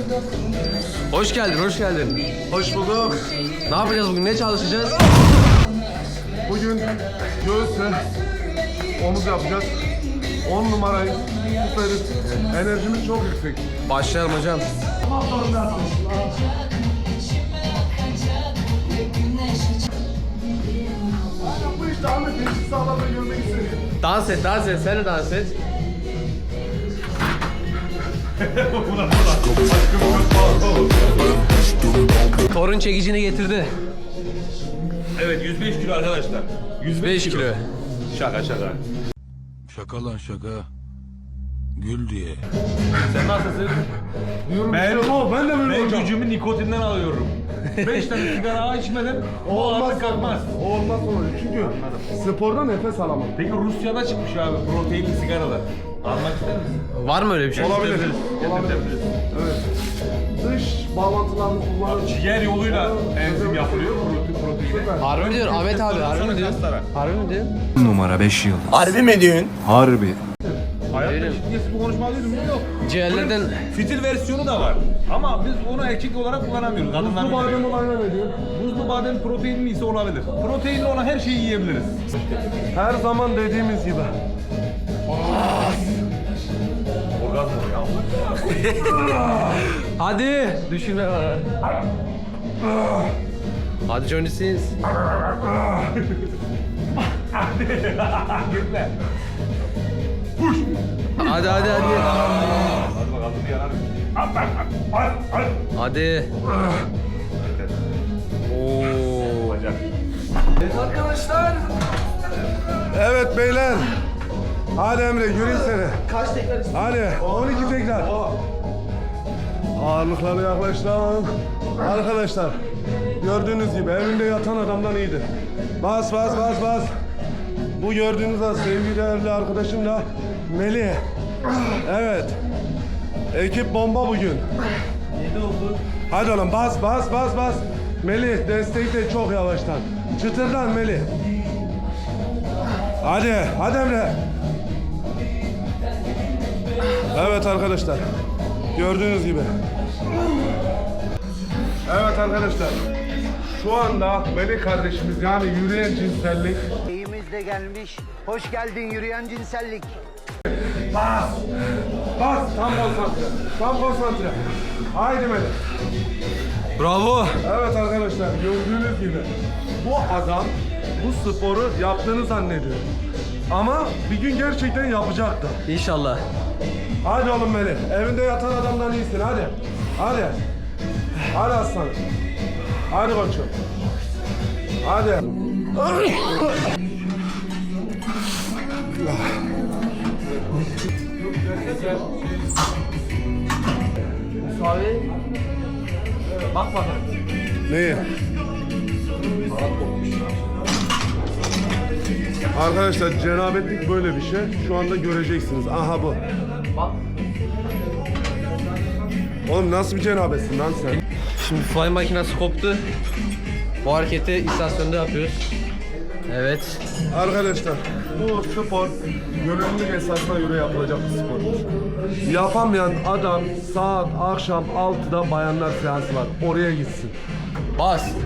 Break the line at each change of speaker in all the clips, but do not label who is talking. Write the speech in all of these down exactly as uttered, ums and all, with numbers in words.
Hoş geldin, hoş geldin.
Hoş bulduk.
Ne yapacağız bugün, ne çalışacağız?
Bugün göğüsle omuz yapacağız. on numarayı süperiz. Enerjimiz çok yüksek.
Başlayalım hocam.
Bu işte Ahmet Beşik sağlamda görmek istedim.
Dans et, dans et, sen de dans et. Torun çekicini getirdi.
Evet yüz beş kilo arkadaşlar.
yüz beş kilo.
Şaka şaka.
Şaka lan şaka. Gül diye.
Sen nasılsın?
Diyorum
Ben,
işte o, ben de böyle
ben
olacağım.
gücümü nikotinden alıyorum. beş tane sigara içmeden o
Olmaz
ağırlık kalkmaz.
Olmaz olur. Çünkü sporda nefes alamam.
Peki Rusya'da çıkmış abi proteinli sigaralar. Almak ister misin?
Var mı öyle bir şey?
Olabilir. Olabilir.
Getirtebiliriz.
Evet. Dış bağlantılarını kullanıp
Ciğer yoluyla enzim yapılıyor protein proteini.
Harbi mi diyor Ahmet abi, harbi mi diyor? Harbi mi diyor?
Numara beş yıl.
Harbi mi diyorsun?
Harbi.
Hayatta
Öyle mi?
ciddiyetsiz bir konuşma alıyoruz mu? Yok.
Ciğerlerden
Fitil versiyonu da var. Ama biz onu erkek olarak kullanamıyoruz. Kadınlar
bu badem olayına ne diyor?
Buzlu badem proteinli ise olabilir. Proteinli olan her şeyi yiyebiliriz.
Her zaman dediğimiz gibi.
Orgazm ya.
hadi düşünme bana. Hadi Johnny Sins.
Gitme.
Hadi hadi hadi.
Hadi bakalım bir yanar.
Hadi. Oo.
Bacak.
Evet beyler. Hadi Emre yürüyün seni. Kaç tekrar istiyorsun? Hadi on iki tekrar. Ağırlıkları yaklaştıralım. Arkadaşlar gördüğünüz gibi evinde yatan adamdan iyidir. Bas bas bas bas. Bu gördüğünüz az sevgili değerli arkadaşım da Melih. Evet. Ekip bomba bugün. Hadi oğlum bas bas bas bas. Melih destekle çok yavaştan. Çıtırdan Melih. Hadi, hadi Emre. Evet arkadaşlar. Gördüğünüz gibi. Evet arkadaşlar. Şu anda Melih kardeşimiz yani yürüyen cinsellik.
İyimiz de gelmiş. Hoş geldin yürüyen cinsellik.
Bas! Bas! Tam konsantre. Tam konsantre. Haydi Melih.
Bravo.
Evet arkadaşlar gördüğünüz gibi bu adam bu sporu yaptığını zannediyor. Ama bir gün gerçekten yapacaktı.
İnşallah.
Hadi oğlum Melih. Evinde yatan adamdan iyisin hadi. Hadi. Hadi aslanım. Hadi koçum. Hadi.
Abi. Bak bakalım.
Neyi? Arkadaşlar cenabetlik böyle bir şey. Şu anda göreceksiniz. Aha bu.
Bak.
Oğlum nasıl bir cenabetsin lan sen?
Şimdi fly makinesi koptu. Bu hareketi istasyonda yapıyoruz. Evet.
Arkadaşlar bu spor gönüllülük esasına göre yapılacak bir spor. Yapamayan adam saat akşam altıda bayanlar seansı var. Oraya gitsin.
Bas.
I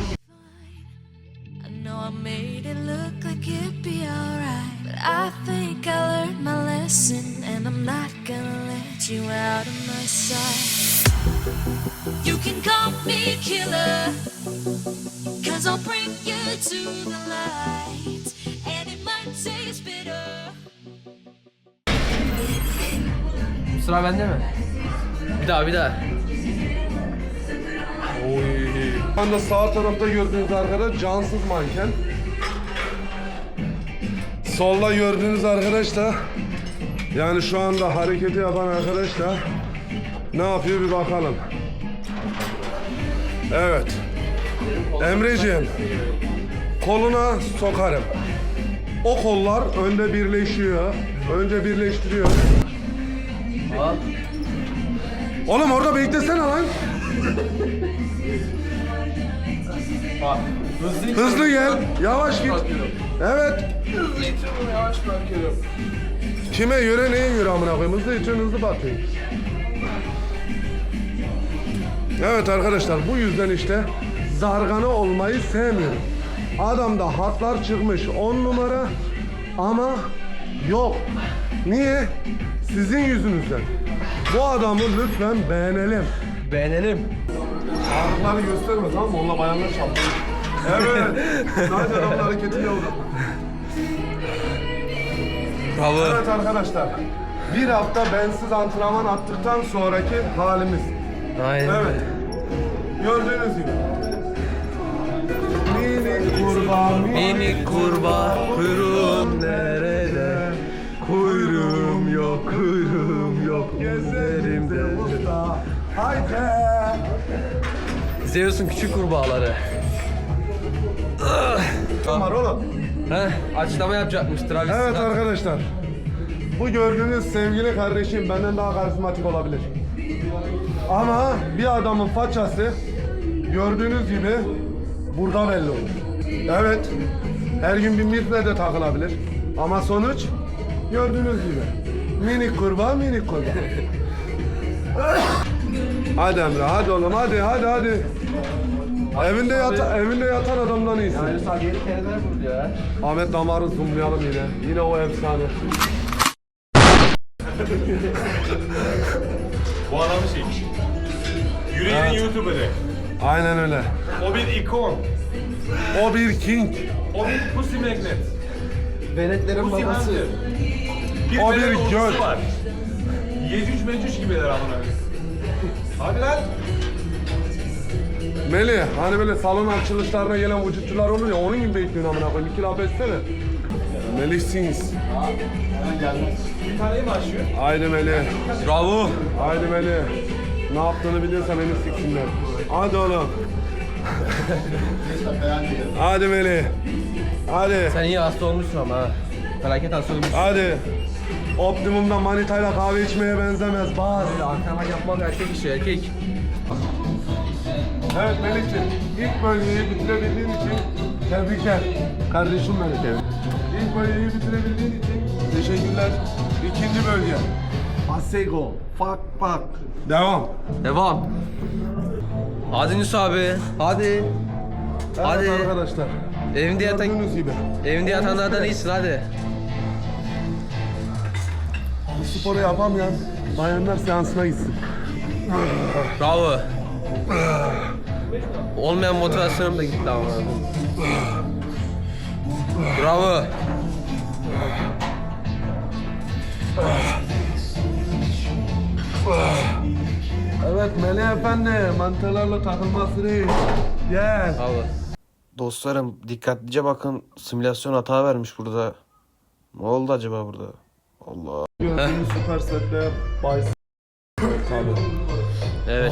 know I made it look like it'd be alright, but I think I learned my lesson, and I'm not gonna let you out of my sight. You can call me killer, cause I'll bring you to the light, and it might taste bitter.
Sıra bende mi? Bir daha bir daha. Oy.
Şu anda sağ tarafta gördüğünüz arkadaş cansız manken. Solda gördüğünüz arkadaş da yani şu anda hareketi yapan arkadaş da ne yapıyor bir bakalım. Evet. Emreciğim koluna sokarım. O kollar önde birleşiyor. Önce birleştiriyor.
Al.
Oğlum orada beklesene lan.
Bak. Hızlı,
Hızlı gel. Yavaş git. Evet.
Hızlı itiyorum, yavaş bırakıyorum.
Kime göre neye göre amına koyayım? Hızlı içiyorsun hızlı batıyorsun. Evet arkadaşlar, bu yüzden işte zargana olmayı sevmiyorum. Adamda hatlar çıkmış on numara ama yok. Niye? Sizin yüzünüzden. Bu adamı lütfen beğenelim.
Beğenelim.
Ağrıkları gösterme, tamam mı? Onunla bayanlar şaplıyor. Evet. Sadece adamın hareketiyle oldu.
Bravo.
Evet arkadaşlar. Bir hafta bensiz antrenman attıktan sonraki halimiz.
Aynen.
Evet. Gördüğünüz gibi. Minik kurbağa,
Minik kurbağa kuyruğum nerede?
kuyruğum yok, kuyruğum yok. Gezerimde usta. Haydi.
Zeus'un küçük kurbağaları.
Kim var oğlum?
Heh, açıklama yapacakmış Travis
Evet
Scott.
arkadaşlar. Bu gördüğünüz sevgili kardeşim benden daha karizmatik olabilir. Ama bir adamın façası gördüğünüz gibi burada belli olur. Evet. Her gün bir mitle de takılabilir. Ama sonuç gördüğünüz gibi. Minik kurbağa, minik kurbağa. Hadi Emre, hadi oğlum, hadi, hadi, hadi. Evinde yata, evinde yatan adamdan iyisin.
Yani sadece yedi kereler vurdu ya.
Ahmet Damar'ı zoomlayalım yine. Yine o efsane.
Bu adamı şey. Yüreğinin YouTuber'ı.
Aynen öyle.
O bir ikon.
O bir king.
O bir pussy magnet.
Venetlerin
Pussy
babası.
hunter. Bir
O bir
velet ordusu
göl.
var. Yecüc mecüc gibiler amına koyayım. Hadi lan.
Melih, hani böyle salon açılışlarına gelen vücutçular olur ya, onun gibi bekliyorsun amına koyayım. İki laf etsene. Melih Sings.
Bir taneyi mi açıyor?
Haydi Melih.
Bravo.
Haydi Melih. Ne yaptığını biliyorsan beni siksinler. Hadi oğlum. Hadi Melih. Hadi.
Sen iyi hasta olmuşsun ama ha. Felaket hasta olmuşsun.
Hadi. Optimum'da manitayla kahve içmeye benzemez. Bas.
Böyle antrenman yapmak erkek işi erkek.
Evet Melih'ciğim, ilk bölgeyi bitirebildiğin için tebrikler. Kardeşim benim. İlk bölgeyi bitirebildiğin için teşekkürler. İkinci bölge. Asego. Fuck fuck. Devam.
Devam. Hadi Yunus abi. Hadi.
Evet
Hadi.
arkadaşlar.
Evinde yatan,
Gördüğünüz gibi.
evinde yatanlardan iyisin hadi.
Bu sporu yapamayan bayanlar seansına gitsin.
Bravo. Olmayan motivasyonum da gitti ama. Bravo.
Evet Melih Efendi, mantılarla takılması değil. Gel.
Bravo.
Dostlarım dikkatlice bakın, simülasyon hata vermiş burada. Ne oldu acaba burada? Allah.
Gördüğünüz süper setler. Bay Tabii.
Evet.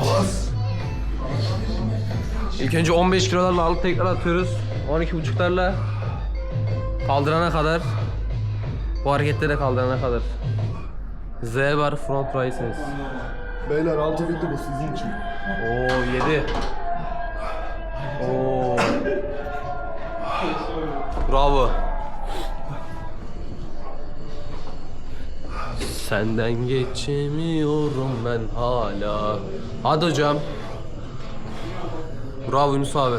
İlk önce on beş kilolarla alıp tekrar atıyoruz. on iki buçuklarla kaldırana kadar. Bu hareketlere kaldırana kadar. Z bar front rises.
Beyler altı bitti bu sizin için.
Oo yedi. Oo. Bravo. Senden geçemiyorum ben hala. Hadi hocam. Bravo Yunus abi.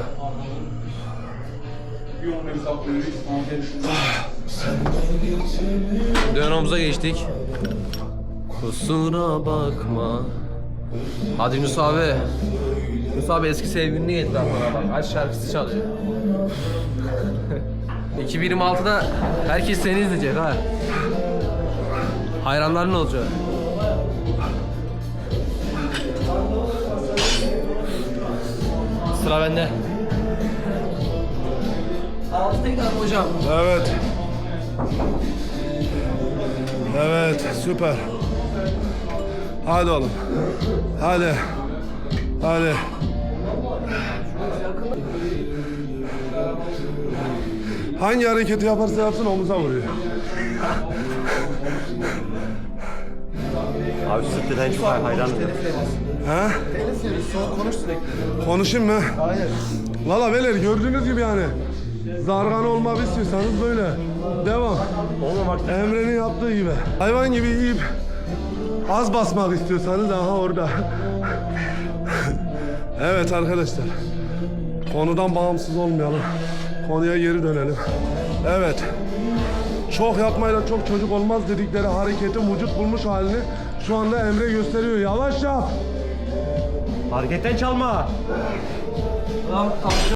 Dön omuza geçtik. Kusura bakma. Hadi Yunus abi. Yunus abi eski sevgilini getir aklına bak. Aç şarkısı çalıyor. iki bin yirmi altıda herkes seni izleyecek ha. Hayranların olacak. Sıra bende. Altı tekrar hocam.
Evet. Evet, süper. Hadi oğlum. Hadi. Hadi. Hangi hareketi yaparsa yapsın omuza vuruyor.
Abi sürekli hiç hayranım.
Ha?
Konuş sürekli.
Konuşayım mı?
Hayır.
Valla beyler gördüğünüz gibi yani. Zargan olmak istiyorsanız böyle. Devam.
Olmamak
Emre'nin yaptığı gibi. Hayvan gibi yiyip az basmak istiyorsanız aha orada. Evet arkadaşlar. Konudan bağımsız olmayalım. Konuya geri dönelim. Evet. Çok yapmayla çok çocuk olmaz dedikleri hareketin vücut bulmuş halini şu anda Emre gösteriyor. Yavaş yap.
Hareketten çalma.